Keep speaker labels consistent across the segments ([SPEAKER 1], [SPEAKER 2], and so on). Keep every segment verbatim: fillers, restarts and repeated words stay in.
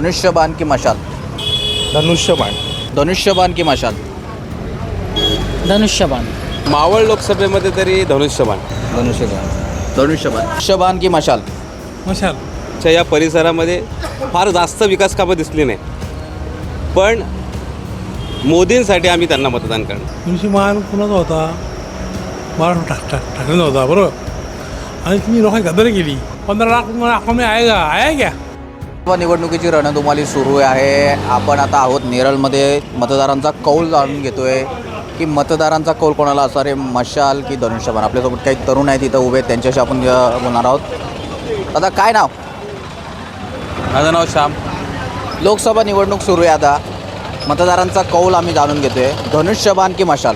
[SPEAKER 1] धनुष्यबाण की मशाल?
[SPEAKER 2] धनुष्यबाण.
[SPEAKER 1] धनुष्यबाण की मशाल?
[SPEAKER 3] धनुष्यबाण.
[SPEAKER 4] मावळ लोकसभेमध्ये तरी धनुष्यबाण.
[SPEAKER 2] धनुष्यबाण.
[SPEAKER 1] धनुष्यबाण. धनुष्यबाण की मशाल?
[SPEAKER 2] मशाल.
[SPEAKER 4] च्या या परिसरामध्ये फार जास्त विकास कामं दिसली नाही, पण मोदींसाठी आम्ही त्यांना मतदान करणार.
[SPEAKER 2] धनुष्यबाण कुणाचा होता? बाळा ठाक ठाक ठाकरेंचा होता, बरोबर. आणि तुम्ही लोकांनी गद्दारी केली. पंधरा लाख तुम्हाला अकाउंट आएगा आया क्या?
[SPEAKER 1] निवडणुकीची रणधुमाळी सुरू आहे. आपण आता आहोत नेरळमध्ये. मतदारांचा कौल जाणून घेतोय की मतदारांचा कौल कोणाला असणार आहे, मशाल की धनुष्यबाण? आपल्यासोबत काही तरुण आहेत तिथं उभे, त्यांच्याशी आपण अ, बोलणार आहोत. आता काय नाव?
[SPEAKER 4] माझं नाव श्याम.
[SPEAKER 1] लोकसभा निवडणूक सुरू आहे आता. मतदारांचा कौल आम्ही जाणून घेतोय. धनुष्यबाण की मशाल?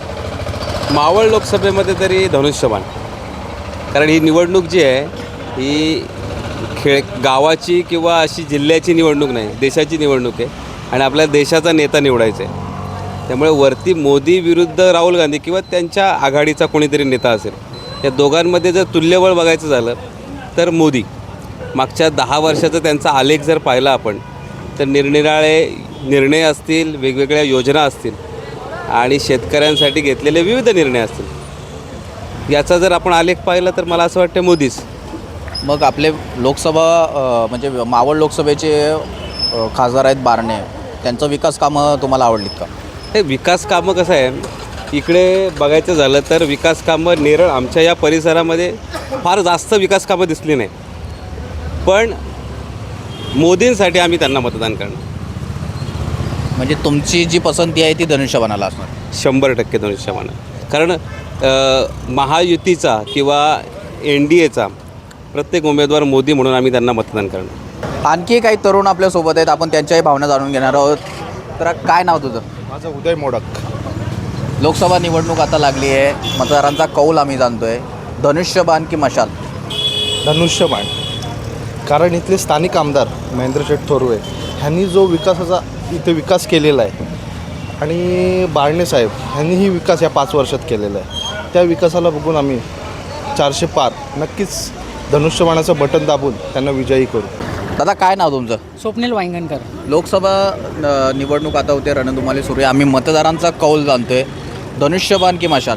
[SPEAKER 4] मावळ लोकसभेमध्ये तरी धनुष्यबाण, कारण ही निवडणूक जी आहे ही खेळ गावाची किंवा अशी जिल्ह्याची निवडणूक नाही, देशाची निवडणूक आहे आणि आपल्या देशाचा नेता निवडायचा आहे. त्यामुळे वरती मोदी विरुद्ध राहुल गांधी किंवा त्यांच्या आघाडीचा कोणीतरी नेता असेल, या दोघांमध्ये जर तुल्यबळ बघायचं झालं तर मोदी. मागच्या दहा वर्षाचा त्यांचा आलेख जर पाहिला आपण तर निरनिराळे निर्णय असतील, वेगवेगळ्या योजना असतील आणि शेतकऱ्यांसाठी घेतलेले विविध निर्णय असतील, याचा जर आपण आलेख पाहिला तर मला असं वाटतं मोदीच.
[SPEAKER 1] मग आपले लोकसभा अ, म्हणजे मावळ लोकसभेचे अ, खासदार आहेत बारणे, त्यांचं विकास कामं तुम्हाला आवडलीत का?
[SPEAKER 4] हे विकास कामं कसं आहे, इकडे बघायचं झालं तर विकास कामं नेरळ आमच्या या परिसरामध्ये फार जास्त विकास कामं दिसली नाही, पण मोदींसाठी आम्ही त्यांना मतदान करणार.
[SPEAKER 1] म्हणजे तुमची जी पसंती आहे ती धनुष्यबाणाला असणार?
[SPEAKER 4] शंभर टक्के धनुष्यबाण. कारण अ, महायुतीचा किंवा एन डी एचा प्रत्येक उमेदवार मोदी म्हणून आम्ही त्यांना मतदान करणार.
[SPEAKER 1] आणखी काही तरुण आपल्यासोबत आहेत, आपण त्यांच्याही भावना जाणून घेणार आहोत. तर काय नाव तुझं?
[SPEAKER 2] माझं उदय मोडक.
[SPEAKER 1] लोकसभा निवडणूक आता लागली आहे. मतदारांचा कौल आम्ही जाणतोय. धनुष्यबाण की मशाल?
[SPEAKER 2] धनुष्यबाण. कारण इथले स्थानिक आमदार महेंद्र शेठ थोरवे ह्यांनी जो विकासाचा इथे विकास केलेला आहे आणि बाळणे साहेब ह्यांनीही विकास या पाच वर्षात केलेला आहे, त्या विकासाला बघून आम्ही चारशे पार नक्कीच धनुष्यबाणाचं बटन दाबून त्यांना विजयी करू.
[SPEAKER 1] दादा काय नाव तुमचं?
[SPEAKER 3] स्वप्नील वांगणकर.
[SPEAKER 1] लोकसभा अ, निवडणूक आता होते, रणधुमाळी सुरू आहे. आम्ही मतदारांचा कौल जाणतोय. धनुष्यबाण की मशाल?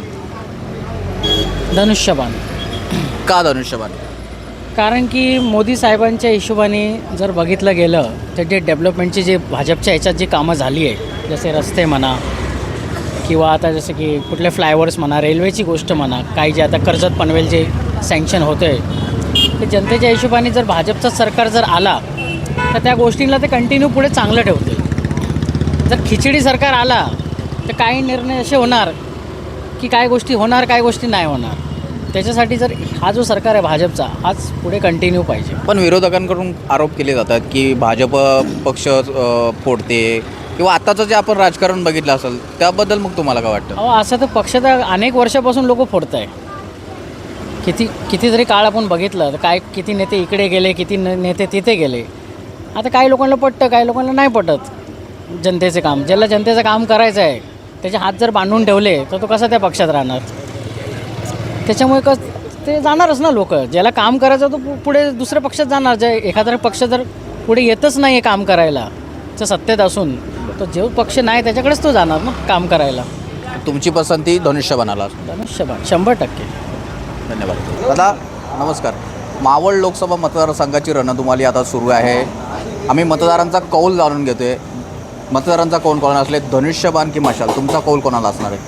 [SPEAKER 3] धनुष्यबाण.
[SPEAKER 1] का धनुष्यबाण?
[SPEAKER 3] कारण की मोदी साहेबांच्या हिशोबाने जर बघितलं गेलं तर जे डेव्हलपमेंटची जे भाजपच्या ह्याच्यात जी कामं झाली आहे, जसे रस्ते म्हणा किंवा आता जसं की कुठले फ्लायओव्हर्स म्हणा, रेल्वेची गोष्ट म्हणा, काही जे आता कर्जत पनवेल जे सँक्शन होतं आहे ते जनतेच्या हिशोबाने जर भाजपचं सरकार जर आला तर त्या गोष्टींना ते कंटिन्यू पुढे चांगलं ठेवतील. जर खिचडी सरकार आला तर काही निर्णय असे होणार की काय गोष्टी होणार, काय गोष्टी नाही होणार. त्याच्यासाठी जर हा जो सरकार आहे भाजपचा, हाच पुढे कंटिन्यू पाहिजे.
[SPEAKER 1] पण विरोधकांकडून आरोप केले जातात की भाजप पक्ष अ, फोडते किंवा आत्ताचं जे आपण राजकारण बघितलं असेल त्याबद्दल मग तुम्हाला काय वाटतं?
[SPEAKER 3] अहो असं तर पक्ष तर अनेक वर्षापासून लोक फोडत आहे. किती किती जरी काळ आपण बघितलं तर काय किती नेते इकडे गेले, किती न नेते तिथे गेले. आता काही लोकांना पटतं, काही लोकांना नाही पटत जनतेचे काम. ज्याला जनतेचं काम करायचं आहे त्याचे हात जर बांधून ठेवले तर तो कसा त्या पक्षात राहणार? त्याच्यामुळे कस ते जाणारच ना लोक. ज्याला काम करायचं तो पुढे दुसऱ्या पक्षात जाणार. जे एखादा पक्ष जर पुढे येतच नाही आहे काम करायला, तर सत्तेत असून तो जो पक्ष नाही त्याच्याकडेच तो जाणार ना काम करायला.
[SPEAKER 1] तुमची पसंती धनुष्यबाणाला?
[SPEAKER 3] धनुष्यबाण शंभर टक्के.
[SPEAKER 1] धन्यवाद. दादा नमस्कार. मावळ लोकसभा मतदारसंघाची रणधुमाळी आता सुरू आहे. आम्ही मतदारांचा कौल जाणून घेतोय. मतदारांचा कौल कोणाला असले, धनुष्यबाण की मशाल? तुमचा कौल कोणाला असणार आहे?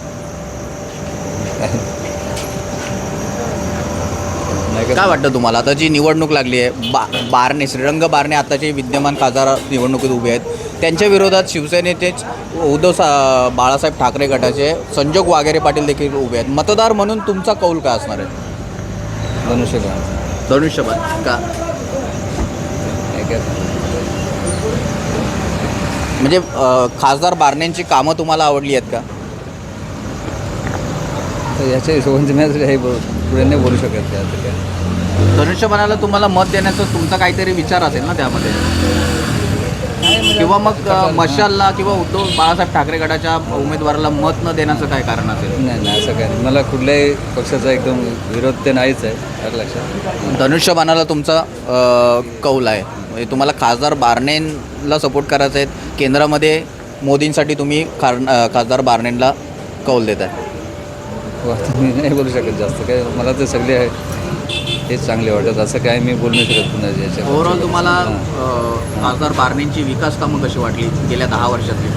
[SPEAKER 1] काय वाटतं तुम्हाला? आता जी निवडणूक लागली आहे, बा बारणे श्रीरंग बारणे आताचे विद्यमान खासदार निवडणुकीत उभे आहेत, त्यांच्या विरोधात शिवसेनेचेच उद्धव सा बाळासाहेब ठाकरे गटाचे संजोग वाघेरे पाटील देखील उभे आहेत. मतदार म्हणून तुमचा कौल काय असणार आहे?
[SPEAKER 2] धनुष्यबाण.
[SPEAKER 1] धनुष्यबाण का? म्हणजे अ, खासदार बारणेंची कामं तुम्हाला आवडली आहेत का?
[SPEAKER 5] याच्या हिशोबाने मी काही पुढे नाही बोलू शकत. त्याचं काय
[SPEAKER 1] धनुष्यबाणाला तुम्हाला मत देण्याचा तुमचा काहीतरी विचार असेल ना त्यामध्ये, किंवा मग अ, मशालला किंवा उद्धव बाळासाहेब ठाकरे गटाच्या उमेदवाराला मत न देण्याचं काय कारण असेल?
[SPEAKER 5] नाही नाही असं काय नाही. मला कुठल्याही पक्षाचा एकदम विरोध ते नाहीच आहे, आलं लक्षात.
[SPEAKER 1] धनुष्यबाणाला तुमचा अ, कौल आहे. म्हणजे तुम्हाला खासदार बारणेंला सपोर्ट करायचा आहे, केंद्रामध्ये मोदींसाठी तुम्ही खार खासदार बारणेंना कौल देत आहे.
[SPEAKER 5] हो, आता मी नाही बोलू शकत जास्त काय. मला तर सगळे आहे हेच चांगले वाटत, असं काय मी बोलू नाही शकत पुन्हा याच्या.
[SPEAKER 1] ओव्हरऑल तुम्हाला
[SPEAKER 5] हां.
[SPEAKER 1] अ, खासदार बारणेंची विकास कामं कशी वाटली गेल्या दहा वर्षातली?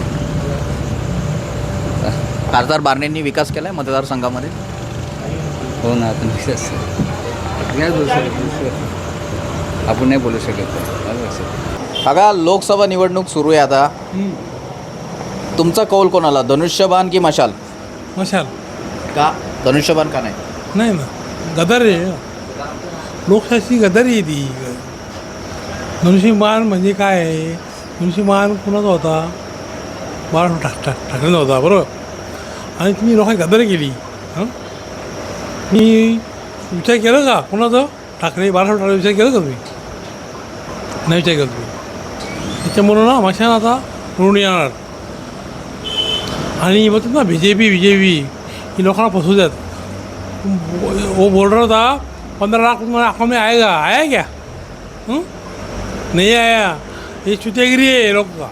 [SPEAKER 1] खासदार बारणेंनी विकास केला आहे मतदारसंघामध्ये?
[SPEAKER 5] हो ना, आता मी असं नाही बोलू शकत, आपण नाही बोलू शकत. आलं लक्षात?
[SPEAKER 1] बघा, लोकसभा निवडणूक सुरू आहे आता. तुमचा कौल कोणाला, धनुष्यबाण की मशाल?
[SPEAKER 6] मशाल
[SPEAKER 1] का धनुष्यबाण का नाही?
[SPEAKER 6] नाही ना, गदर आहे. लोकशाही गदारी आहे ती. धनुष्यबाण म्हणजे काय आहे? धनुष्यबाण कुणाचा होता? बाळासाहेब ठाक ठाक ठाकरेंचा होता, बरोबर. आणि तुम्ही लोकांनी गदारी केली. हां, मी विचार केला का कुणाचं? ठाकरे, बाळासाहेब ठाकरे विचार केला का तुम्ही? नाही विचार केला तुम्ही. त्याच्यामुळं ना मशान आता ऋण येणार. आणि बोलतात ना B J P B J P ही लोकांना फसवू द्यात. वो बोल रहा था पंद्रह लाख तुम्हारे अकाउंट में आएगा, आया क्या? हुँ? नहीं आया. ये चुतियागिरी है लोग का.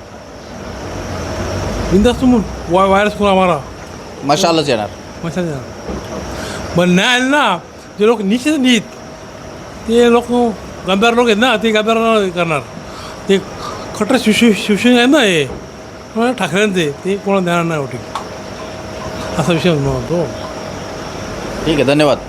[SPEAKER 6] बिंदास तुम वा वायरस करो हमारा.
[SPEAKER 1] मशालच येणार.
[SPEAKER 6] मसा पण नाही आले ना जे लोक नीचे नीत ते लोक गद्दार लोक आहेत ना, ते गद्दार करणार. ते खटर शिवसे शिवसेना आहे ना, हे ठाकरेंचे, ते कोणाला देणार नाही वोटिंग. असा विषय म्हणतो.
[SPEAKER 1] ठीक आहे, धन्यवाद.